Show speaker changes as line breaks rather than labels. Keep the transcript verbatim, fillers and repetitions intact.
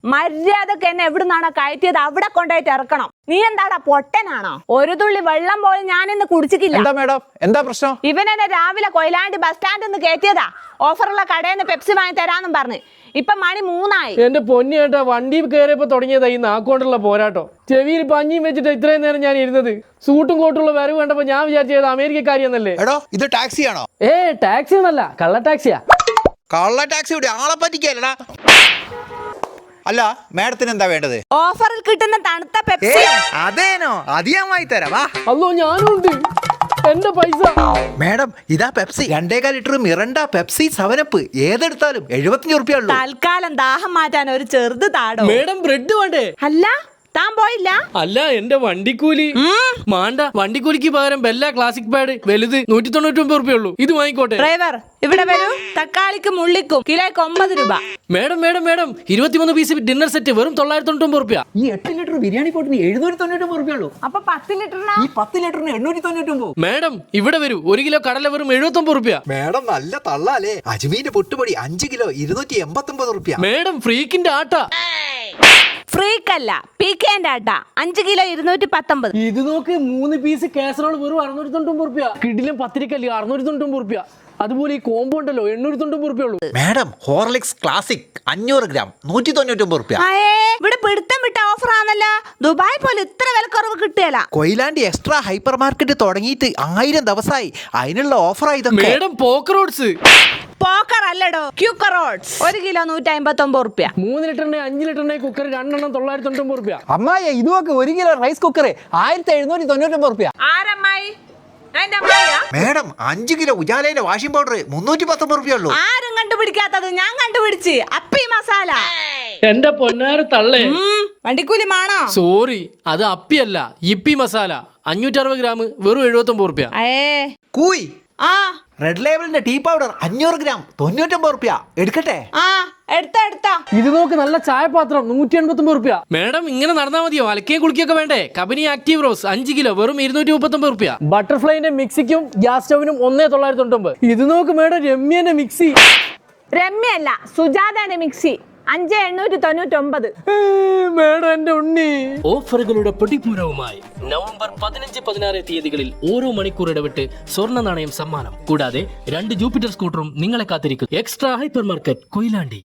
മര്യാദക്ക് എന്നെ എവിടുന്നാണോ കയറ്റിയത് അവിടെ കൊണ്ടുപോയിട്ട് ഇറക്കണം. നീ എന്താടാ പൊട്ടനാണോ? ഒരു തുള്ളി വെള്ളം പോലും ഞാനിന്ന് കുടിച്ചിട്ടില്ല.
എന്താ മേഡം, എന്താ പ്രശ്നം?
ഇവനെന്നെ രാവിലെ കൊയിലാണ്ടി ബസ് സ്റ്റാൻഡിൽ നിന്ന് കയറ്റിയതാ. ഓഫറുള്ള കടയിൽ നിന്ന് പെപ്സി വാങ്ങി തരാന്നും പറഞ്ഞ്. ഇപ്പൊ മണി മൂന്നായി.
എന്റെ പൊന്നി ഏട്ടാ, വണ്ടി കയറിയപ്പോ തുടങ്ങിയതാ ഈ നാക്കോണ്ടുള്ള പോരാട്ടോ. ചെവിയിൽ പഞ്ഞിയും വെച്ചിട്ട് ഇത്രയും നേരം ഞാൻ ഇരുന്നത്. സൂട്ടും കോട്ടുള്ള വരവ് കണ്ടപ്പോ ഞാൻ വിചാരിച്ചത് അമേരിക്കക്കാരിയെന്നല്ലേ.
എടോ, ഇത് ടാക്സി ആണോ?
ഏ ടാക്സി ഒന്നല്ല, കള്ള ടാക്സിയാ.
കള്ള ടാക്സി ഇവിടെ ആളെ പറ്റിക്കല്ലടാ. അല്ല, മേഡത്തിന് എന്താ വേണ്ടത്?
ഓഫറിൽ കിട്ടുന്ന തണുത്ത പെപ്സി.
അതേനോ, അത് ഞാൻ വാങ്ങി തരാം. വാ.
അല്ലോ, ഞാനും ഉണ്ട്. എന്റെ പൈസ.
മേഡം, ഇതാ പെപ്സി. രണ്ടേകാൽ ലിറ്റർ മിറണ്ട പെപ്സി സെവനപ്പ് ഏതെടുത്താലും എഴുപത്തിയഞ്ച് റുപ്യ ഉള്ളൂ.
തൽക്കാലം ദാഹം മാറ്റാൻ ഒരു ചെറുത് താടോ.
മേഡം, ബ്രെഡ് വേണ്ടേ?
അല്ല, താൻ പോയില്ല?
അല്ല, എന്റെ വണ്ടിക്കൂലി മാണ്ട. വണ്ടിക്കൂലിക്ക് പകരം ബെല്ല ക്ലാസിക് പാഡ് വലുത് നൂറ്റി തൊണ്ണൂറ്റി ഒമ്പത് റുപ്യ ഉള്ളൂ. ഇത് വാങ്ങിക്കോട്ടെ.
ഡ്രൈവർ, ഇവിടെ വരൂ. തക്കാളിക്കും ഉള്ളിക്കും കിലോയ്ക്ക് ഒമ്പത് രൂപ.
മേഡം മേഡം മേഡം ഇരുപത്തിമൂന്ന് പീസ് ഡിന്നർ സെറ്റ് വെറും തൊള്ളായിരത്തി തൊണ്ണൂറ്റി ഒമ്പത് റുപ്യ.
ഈ എട്ട് ലിറ്റർ ബിരിയാണി പോട്ടിന് എഴുന്നൂറ്റി തൊണ്ണൂറ്റി ഒമ്പത് റുപ്യ ഉള്ളൂ.
അപ്പൊ പത്ത് ലിറ്ററിനാ?
ഈ പത്ത് ലിറ്ററിന് എണ്ണൂറ്റി തൊണ്ണൂറ്റി ഒമ്പത്.
മേഡം, ഇവിടെ വരൂ. ഒരു കിലോ കടല വെറും എഴുപത്തി ഒമ്പത് റുപ്യ.
മേഡം, നല്ല തള്ളാലേ. അജ്മീന്റെ പൊട്ടുപൊടി അഞ്ച് കിലോ ഇരുന്നൂറ്റി എൺപത്തി ഒമ്പത് റുപ്യ.
മേഡം, ഫ്രീക്കിന്റെ ആട്ട.
ഫ്രീക്കല്ല, പീക്കേന്റെ ആട്ട. അഞ്ച് കിലോ ഇരുന്നൂറ്റി പത്തൊമ്പത്.
ഇത് നോക്ക്, മൂന്ന് പീസ് കാസറോൾ വെറും അറുന്നൂറ്റി തൊണ്ണൂറ്റി ഒമ്പത് റുപ്യ. കിടിലും പത്തിരിക്കല്ലേ അറുന്നൂറ്റി തൊണ്ണൂറ്റി ഒമ്പത് റുപ്യ. അതുപോലെ ഈ കോമ്പോ ഉണ്ടല്ലോ എണ്ണൂറ്റി തൊണ്ണൂറ്റി ഒമ്പത് റുപ്യ ഉള്ളൂ.
മേഡം, ഹോർലിക്സ് ക്ലാസിക് അഞ്ഞൂറ് ഗ്രാം നൂറ്റി തൊണ്ണൂറ്റി ഒമ്പത് റുപ്യ.
ഇവിടെ പിടുത്തം വിട്ട ഓഫർ ആണല്ലോ. ദുബായ് പോലെ ഇത്ര വിലക്കുറവ് കിട്ടിയല്ല.
കൊയിലാണ്ടി എക്സ്ട്രാ ഹൈപ്പർ മാർക്കറ്റ് തുടങ്ങിയിട്ട് ആയിരം ദിവസമായി. അതിനുള്ള ഓഫറായി ഇതൊക്കെ.
Madam, Pokker roads.
പോക്കർ അല്ലടോ, ക്യൂക്കറോട്സ്. ഒരു കിലോ നൂറ്റി അമ്പത്തി ഒമ്പത് റുപ്യ.
മൂന്ന് ലിറ്ററിന്റെ അഞ്ച് ലിറ്ററിന്റെ കുക്കർ രണ്ടെണ്ണം തൊള്ളായിരത്തി തൊണ്ണൂറ്റി ഒമ്പത് റുപ്യ.
അമ്മായി, ഇതുമൊക്കെ ഒരു കിലോ റൈസ് കുക്കർ ആയിരത്തി എഴുന്നൂറ്റി തൊണ്ണൂറ്റി ഒമ്പത് റുപ്യ.
ആരമ്മായി? എന്റെ അമ്മായിയാ?
മേഡം, അഞ്ച് കിലോ ഉജാലയിലെ വാഷിംഗ് പൗഡർ മുന്നൂറ്റി പത്തൊമ്പത് റുപ്യ ഉള്ളൂ.
ആരും കണ്ടുപിടിക്കാത്തത് ഞാൻ കണ്ടുപിടിച്ച്. അപ്പി മസാല.
എന്റെ പൊന്നാര തള്ളേ,
വണ്ടിക്കൂലി മാണോ?
സോറി, അത് അപ്പിയല്ല, ഇപ്പി മസാല. അഞ്ഞൂറ്റി അറുപത് ഗ്രാം വെറും എഴുപത്തി ഒമ്പത് റുപ്യ.
കൂയ്.
ആ,
റെഡ് ലേബിളിന്റെ ടീ പൗഡർ അഞ്ഞൂറ് ഗ്രാം തൊണ്ണൂറ്റൊമ്പത് റുപ്യ. എടുക്കട്ടെ?
ആ, എടുത്ത എടുത്ത.
ഇത് നോക്ക്, നല്ല ചായപാത്രം നൂറ്റി എൺപത്തി ഒമ്പത് റുപ്യ. മേഡം, ഇങ്ങനെ നടന്നാൽ മതിയോ? അലക്കുകയും കുളിക്കൊക്കെ വേണ്ടേ? കബനി ആക്റ്റീവ് റോസ് അഞ്ച് കിലോ വെറും ഇരുന്നൂറ്റി മുപ്പത്തി ഒമ്പത് റുപ്യ. ബട്ടർഫ്ലൈന്റെ മിക്സിക്കും ഗ്യാസ് സ്റ്റവിനും ഒന്നേ തൊള്ളായിരത്തി തൊണ്ണൂറ്റി ഒമ്പത്. ഇത് നോക്ക് മേഡം, രമ്യന്റെ മിക്സി.
രമ്യല്ല, സുജാതന്റെ മിക്സി അഞ്ച് എണ്ണൂറ്റി തൊണ്ണൂറ്റി ഒമ്പത്.
മേഡം, എന്റെ ഉണ്ണി. ഓഫറുകളുടെ പൊടിപൂരവുമായി നവംബർ പതിനഞ്ച് പതിനാറ് തീയതികളിൽ ഓരോ മണിക്കൂർ ഇടവിട്ട് സ്വർണ്ണ നാണയം സമ്മാനം. കൂടാതെ രണ്ട് ജൂപ്പിറ്റർ സ്കൂട്ടറും നിങ്ങളെ കാത്തിരിക്കും. Extra hyper market Koyilandy.